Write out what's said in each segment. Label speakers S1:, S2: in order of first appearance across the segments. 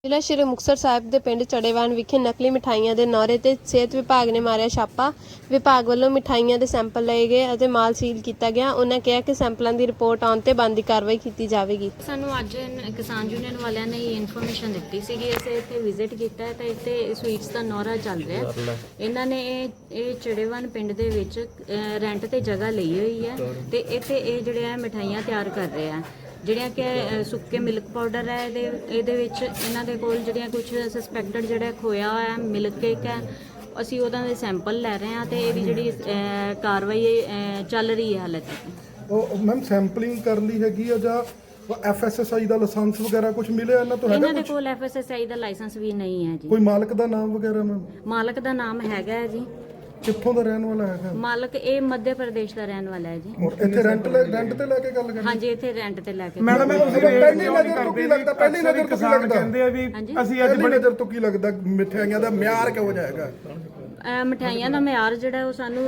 S1: ਜ਼ਿਲ੍ਹਾ ਸ਼੍ਰੀ ਮੁਕਤਸਰ ਸਾਹਿਬ ਦੇ ਪਿੰਡ ਚੜੇਵਾਨ ਵਿਖੇ ਨਕਲੀ ਮਿਠਾਈਆਂ ਦੇ ਨੌਰੇ ਤੇ ਸਿਹਤ ਵਿਭਾਗ ਨੇ ਮਾਰਿਆ ਛਾਪਾ। ਵਿਭਾਗ ਵੱਲੋਂ ਮਿਠਾਈਆਂ ਦੇ ਸੈਂਪਲ ਲਏ ਗਏ ਅਤੇ ਮਾਲ ਸੀਲ ਕੀਤਾ ਗਿਆ। ਉਹਨਾਂ ਕਿਹਾ ਕਿ ਸੈਂਪਲਾਂ ਦੀ ਰਿਪੋਰਟ ਆਉਣ ਤੇ ਬਣਦੀ ਕਾਰਵਾਈ ਕੀਤੀ ਜਾਵੇਗੀ।
S2: ਸਾਨੂੰ ਅੱਜ ਕਿਸਾਨ ਯੂਨੀਅਨ ਵਾਲਿਆਂ ਨੇ ਇਨਫੋਰਮੇਸ਼ਨ ਦਿੱਤੀ ਸੀਗੀ। ਅਸੀਂ ਇੱਥੇ ਵਿਜ਼ਿਟ ਕੀਤਾ ਹੈ ਤਾਂ ਇੱਥੇ ਸਵੀਟਸ ਦਾ ਨੌਰਾ ਚੱਲ ਰਿਹਾ। ਇਹਨਾਂ ਨੇ ਇਹ ਚੜੇਵਾਨ ਪਿੰਡ ਦੇ ਵਿੱਚ ਰੈਂਟ ਤੇ ਜਗ੍ਹਾ ਲਈ ਹੋਈ ਹੈ ਤੇ ਇੱਥੇ ਇਹ ਜਿਹੜੇ ਆ ਮਿਠਾਈਆਂ ਤਿਆਰ ਕਰ ਰਹੇ ਆ, ਜਿਹੜੀਆਂ ਕਿ ਸੁੱਕੇ ਮਿਲਕ ਪਾਊਡਰ ਹੈ। ਇਹਦੇ ਵਿੱਚ ਇਹਨਾਂ ਦੇ ਕੋਲ ਜਿਹੜੀਆਂ ਕੁਝ ਸਸਪੈਕਟਡ ਜਿਹੜਾ ਖੋਇਆ ਹੋਇਆ ਮਿਲਕ ਕੇਕ ਹੈ, ਅਸੀਂ ਉਹਨਾਂ ਦੇ ਸੈਂਪਲ ਲੈ ਰਹੇ ਹਾਂ ਤੇ ਇਹਦੀ ਜਿਹੜੀ ਕਾਰਵਾਈ ਚੱਲ ਰਹੀ ਹੈ ਹਾਲੇ ਤੱਕ।
S3: ਉਹ ਮੈਮ ਸੈਂਪਲਿੰਗ ਕਰ ਲਈ ਹੈਗੀ ਆ ਜਾਂ FSSAI ਦਾ ਲਾਇਸੈਂਸ ਵਗੈਰਾ ਕੁਝ ਮਿਲਿਆ ਇਹਨਾਂ ਤੋਂ?
S2: ਇਹਨਾਂ ਦੇ ਕੋਲ FSSAI ਦਾ ਲਾਇਸੈਂਸ ਵੀ ਨਹੀਂ ਹੈ ਜੀ।
S3: ਕੋਈ ਮਾਲਕ ਦਾ ਨਾਮ ਵਗੈਰਾ ਮੈਮ?
S2: ਮਾਲਕ ਦਾ ਨਾਮ ਹੈਗਾ ਹੈ ਜੀ।
S3: ਕਿੱਥੋਂ ਦਾ ਰਹਿਣ ਵਾਲਾ ਹੈਗਾ
S2: ਮਾਲਕ? ਇਹ ਮੱਧ ਪ੍ਰਦੇਸ਼ ਦਾ ਰਹਿਣ ਵਾਲਾ ਹੈ ਜੀ।
S3: ਇੱਥੇ ਰੈਂਟ ਤੇ ਲੈ ਕੇ ਗੱਲ ਕਰਨੀ?
S2: ਹਾਂਜੀ, ਇੱਥੇ ਰੈਂਟ ਤੇ ਲੈ ਕੇ।
S3: ਮੈਡਮ ਪਹਿਲੀ ਨਜ਼ਰ ਤੋਂ ਕੀ ਲੱਗਦਾ? ਪਹਿਲੀ ਨਜ਼ਰ ਤੋਂ ਕੀ ਲੱਗਦਾ? ਕਹਿੰਦੇ ਆ ਵੀ ਅਸੀਂ ਅੱਜ ਬੜੀ ਨਜ਼ਰ ਤੋਂ ਕੀ ਲੱਗਦਾ ਮਿਠਾਈਆਂ ਦਾ ਮਿਆਰ ਕਿਹੋ ਜਿਹਾ ਹੈਗਾ?
S2: ਮਿਠਾਈਆਂ ਦਾ ਮਿਆਰ ਜਿਹੜਾ ਉਹ ਸਾਨੂੰ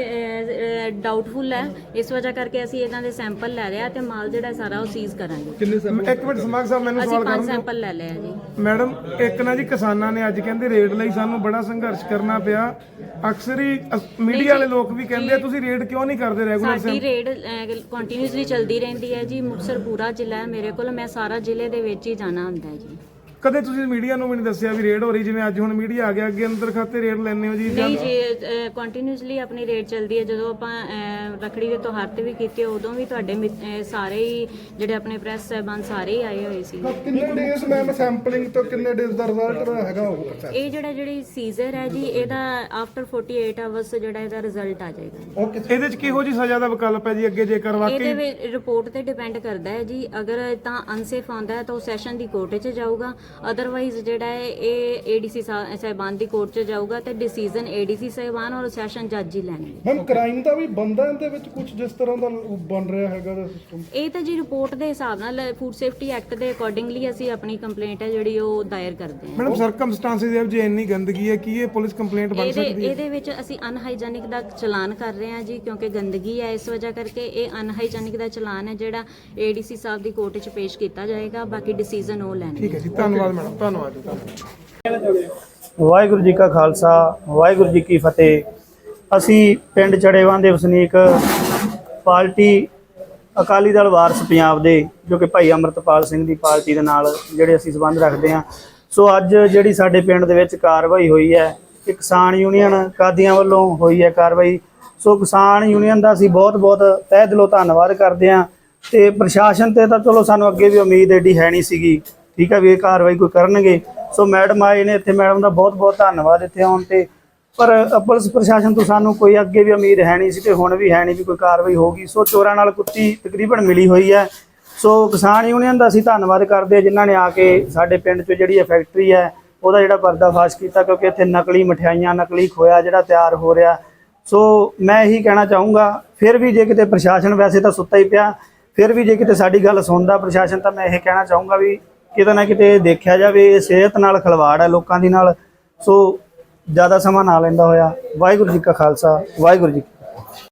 S2: ਵੀ ਡਾਊਟਫੁਲ ਹੈ। ਇਸ ਵਜ੍ਹਾ ਕਰਕੇ ਅਸੀਂ ਇਹਨਾਂ ਦੇ ਸੈਂਪਲ ਲੈ ਰਹੇ ਆ ਤੇ ਮਾਲ ਜਿਹੜਾ ਸਾਰਾ ਉਹ ਸੀਜ਼ ਕਰਾਂਗੇ।
S3: ਕਿੰਨੇ ਸੈਂਪਲ? ਇੱਕ ਮਿੰਟ ਸਮਾਗ ਸਾਹਿਬ ਮੈਨੂੰ ਸਵਾਲ
S2: ਕਰਨ। 5 ਸੈਂਪਲ ਲੈ ਲਏ ਆ ਜੀ।
S3: ਮੈਡਮ ਇੱਕ ਨਾ ਜੀ ਕਿਸਾਨਾਂ ਨੇ ਅੱਜ ਕਹਿੰਦੇ ਰੇਟ ਲਈ ਸਾਨੂੰ ਬੜਾ ਸੰਘਰਸ਼ ਕਰਨਾ ਪਿਆ। ਅਕਸਰ ਹੀ ਮੀਡੀਆ ਵਾਲੇ ਲੋਕ ਵੀ ਕਹਿੰਦੇ ਆ ਤੁਸੀਂ ਰੇਟ ਕਿਉਂ ਨਹੀਂ ਕਰਦੇ ਰੈਗੂਲਰ?
S2: ਸਾਡੀ ਰੇਟ ਕੰਟੀਨਿਊਸਲੀ ਚੱਲਦੀ ਰਹਿੰਦੀ ਹੈ ਜੀ। ਮੁਕਤਸਰ ਪੂਰਾ ਜ਼ਿਲ੍ਹਾ ਹੈ ਮੇਰੇ ਕੋਲ, ਮੈਂ ਸਾਰਾ ਜ਼ਿਲ੍ਹੇ ਦੇ ਵਿੱਚ ਹੀ ਜਾਣਾ ਹੁੰਦਾ ਹੈ ਜੀ।
S3: ਕਦੇ ਤੁਸੀਂ ਮੀਡੀਆ ਨੂੰ ਵੀ ਨਹੀਂ ਦੱਸਿਆ ਵੀ ਰੇਡ ਹੋ ਰਹੀ? ਜਿਵੇਂ ਅੱਜ ਹੁਣ ਮੀਡੀਆ ਆ ਗਿਆ, ਅੱਗੇ ਅੰਦਰ ਖਾਤੇ ਰੇਟ ਲੈਣੇ ਹੋ ਜੀ?
S2: ਨਹੀਂ ਜੀ, ਕੰਟੀਨਿਊਸਲੀ ਆਪਣੀ ਰੇਟ ਚੱਲਦੀ ਹੈ। ਜਦੋਂ ਆਪਾਂ ਰੱਖੜੀ ਦੇ ਤਿਉਹਾਰ ਤੇ ਵੀ ਕੀਤੀ ਉਦੋਂ ਵੀ ਤੁਹਾਡੇ ਸਾਰੇ ਹੀ ਜਿਹੜੇ ਆਪਣੇ ਪ੍ਰੈਸ ਸਾਹਿਬਾਨ ਸਾਰੇ ਹੀ ਆਏ ਹੋਏ ਸੀ।
S3: ਕਿੰਨੇ ਡੇਜ਼ ਮੈਮ ਸੈਂਪਲਿੰਗ ਤੋਂ ਕਿੰਨੇ ਡੇਜ਼ ਦਾ ਰਿਜ਼ਲਟ ਹੈਗਾ ਹੋਊਗਾ?
S2: ਇਹ ਜਿਹੜੀ ਸੀਜ਼ਰ ਹੈ ਜੀ, ਇਹਦਾ ਆਫਟਰ 48 ਆਵਰਸ ਜਿਹੜਾ ਇਹਦਾ ਰਿਜ਼ਲਟ ਆ ਜਾਏਗਾ।
S3: ਇਹਦੇ ਚ ਕਿਹੋ ਜੀ ਸਜ਼ਾ ਦਾ ਵਿਕਲਪ ਹੈ ਜੀ ਅੱਗੇ ਜੇਕਰ ਵਾਕਈ?
S2: ਇਹਦੇ ਵਿੱਚ ਰਿਪੋਰਟ ਤੇ ਡਿਪੈਂਡ ਕਰਦਾ ਹੈ ਜੀ। ਅਗਰ ਤਾਂ ਅਨਸੇਫ ਆਉਂਦਾ ਹੈ ਤਾਂ ਉਹ ਸੈਸ਼ਨ ਦੀ ਕੋਰਟ 'ਚ ਜਾਊਗਾ। ਅਦਰਵਾਈਜ਼ ਜਿਹੜਾ ਹੈ ਇਹ ADC ਸਾਹਿਬਾਨ ਦੀ ਕੋਰਟ 'ਚ ਜਾਊਗਾ ਤੇ ਡਿਸੀਜਨ ADC ਸਾਹਿਬਾਨ ਔਰ ਸੈਸ਼ਨ ਜੱਜ ਹੀ ਲੈਣਗੇ।
S3: ਮੈਮ ਕ੍ਰਾਈਮ ਦਾ ਵੀ ਬੰਦਾ ਇਹਦੇ ਵਿੱਚ ਕੁਝ ਜਿਸ ਤਰ੍ਹਾਂ ਦਾ ਬਣ ਰਿਹਾ ਹੈਗਾ ਸਿਸਟਮ?
S2: ਇਹ ਤਾਂ ਜੀ ਰਿਪੋਰਟ ਦੇ ਹਿਸਾਬ ਨਾਲ ਫੂਡ ਸੇਫਟੀ ਐਕਟ ਦੇ ਅਕੋਰਡਿੰਗਲੀ ਅਸੀਂ ਆਪਣੀ ਕੰਪਲੇਂਟ ਹੈ ਜਿਹੜੀ ਉਹ ਦਾਇਰ ਕਰਦੇ ਹਾਂ।
S3: ਮੈਡਮ ਸਰਕਮਸਟੈਂਸਸ ਇਹ ਜੇ ਇੰਨੀ ਗੰਦਗੀ ਹੈ ਕਿ ਇਹ ਪੁਲਿਸ ਕੰਪਲੇਂਟ ਬਣ ਸਕਦੀ ਹੈ?
S2: ਇਹਦੇ ਵਿੱਚ ਅਸੀਂ ਅਨਹਾਈਜੈਨਿਕ ਦਾ ਚਲਾਨ ਕਰ ਰਹੇ ਹਾਂ ਜੀ, ਕਿਉਂਕਿ ਗੰਦਗੀ ਹੈ। ਇਸ ਵਜ੍ਹਾ ਕਰਕੇ ਇਹ ਅਨਹਾਈਜੈਨਿਕ ਦਾ ਚਲਾਨ ਹੈ ਜਿਹੜਾ ADC ਸਾਹਿਬ ਦੀ ਕੋਰਟ 'ਚ ਪੇਸ਼ ਕੀਤਾ ਜਾਏਗਾ। ਬਾਕੀ ਡਿਸੀਜਨ ਉਹ ਲੈਣਗੇ। ਠੀਕ ਹੈ ਜੀ, ਧੰਨਵਾਦ ਮੈਡਮ। ਧੰਨਵਾਦ।
S4: ਵਾਹਿਗੁਰੂ ਜੀ ਕਾ ਖਾਲਸਾ, ਵਾਹਿਗੁਰੂ ਜੀ ਕੀ ਫਤਿਹ। ਅਸੀਂ ਪਿੰਡ ਚੜੇਵਾਨ ਦੇ ਵਸਨੀਕ ਪਾਰਟੀ ਅਕਾਲੀ ਦਲ ਵਾਰਸ ਪੰਜਾਬ ਦੇ, ਜੋ ਕਿ ਭਾਈ ਅੰਮ੍ਰਿਤਪਾਲ ਸਿੰਘ ਦੀ ਪਾਰਟੀ ਦੇ ਨਾਲ ਜਿਹੜੇ ਅਸੀਂ ਸੰਬੰਧ ਰੱਖਦੇ ਹਾਂ। ਸੋ ਅੱਜ ਜਿਹੜੀ ਸਾਡੇ ਪਿੰਡ ਦੇ ਵਿੱਚ ਕਾਰਵਾਈ ਹੋਈ ਹੈ, ਕਿ ਕਿਸਾਨ ਯੂਨੀਅਨ ਕਾਦੀਆਂ ਵੱਲੋਂ ਹੋਈ ਹੈ ਕਾਰਵਾਈ। ਸੋ ਕਿਸਾਨ ਯੂਨੀਅਨ ਦਾ ਅਸੀਂ ਬਹੁਤ ਤਹਿ ਦਿਲੋਂ ਧੰਨਵਾਦ ਕਰਦੇ ਹਾਂ। ਤੇ ਪ੍ਰਸ਼ਾਸਨ ਤੇ ਤਾਂ ਚਲੋ ਸਾਨੂੰ ਅੱਗੇ ਵੀ ਉਮੀਦ ਐਡੀ ਹੈ ਨਹੀਂ ਸੀਗੀ, ਠੀਕ ਹੈ, ਵੀ ਇਹ ਕਾਰਵਾਈ ਕੋਈ ਕਰਨਗੇ। ਸੋ ਮੈਡਮ ਆਏ ਨੇ ਇੱਥੇ, ਮੈਡਮ ਦਾ ਬਹੁਤ ਧੰਨਵਾਦ ਇੱਥੇ ਆਉਣ ਤੇ। ਪਰ ਪੁਲਿਸ ਪ੍ਰਸ਼ਾਸਨ ਤੋਂ ਸਾਨੂੰ ਕੋਈ ਅੱਗੇ ਵੀ ਉਮੀਦ ਹੈ ਨਹੀਂ ਸੀ ਤੇ ਹੁਣ ਵੀ ਹੈ ਨਹੀਂ ਵੀ ਕੋਈ ਕਾਰਵਾਈ ਹੋਗੀ। ਸੋ ਚੋਰਾਂ ਨਾਲ ਕੁੱਤੀ ਤਕਰੀਬਨ ਮਿਲੀ ਹੋਈ ਹੈ। ਸੋ ਕਿਸਾਨ ਯੂਨੀਅਨ ਦਾ ਅਸੀਂ ਧੰਨਵਾਦ ਕਰਦੇ ਹਾਂ ਜਿਨ੍ਹਾਂ ਨੇ ਆ ਕੇ ਸਾਡੇ ਪਿੰਡ 'ਚ ਜਿਹੜੀ ਫੈਕਟਰੀ ਹੈ ਉਹਦਾ ਜਿਹੜਾ ਪਰਦਾਫਾਸ਼ ਕੀਤਾ, ਕਿਉਂਕਿ ਇੱਥੇ ਨਕਲੀ ਮਠਿਆਈਆਂ, ਨਕਲੀ ਖੋਇਆ ਜਿਹੜਾ ਤਿਆਰ ਹੋ ਰਿਹਾ। ਸੋ ਮੈਂ ਇਹੀ ਕਹਿਣਾ ਚਾਹੂੰਗਾ, ਫਿਰ ਵੀ ਜੇ ਕਿਤੇ ਪ੍ਰਸ਼ਾਸਨ ਵੈਸੇ ਤਾਂ ਸੁੱਤਾ ਹੀ ਪਿਆ, ਫਿਰ ਵੀ ਜੇ ਕਿਤੇ ਸਾਡੀ ਗੱਲ ਸੁਣਦਾ ਪ੍ਰਸ਼ਾਸਨ, ਤਾਂ ਮੈਂ ਇਹ ਕਹਿਣਾ ਚਾਹੂੰਗਾ ਵੀ ਕਿਤੇ ਨਾ ਕਿਤੇ ਦੇਖਿਆ ਜਾਵੇ। ਇਹ ਸਿਹਤ ਨਾਲ ਖਿਲਵਾੜ ਹੈ ਲੋਕਾਂ ਦੀ ਨਾਲ। ਸੋ ਜ਼ਿਆਦਾ ਸਮਾਂ ਨਾ ਲੈਂਦਾ ਹੋਇਆ। ਵਾਹਿਗੁਰੂ ਜੀ ਕਾ ਖਾਲਸਾ, ਵਾਹਿਗੁਰੂ ਜੀ।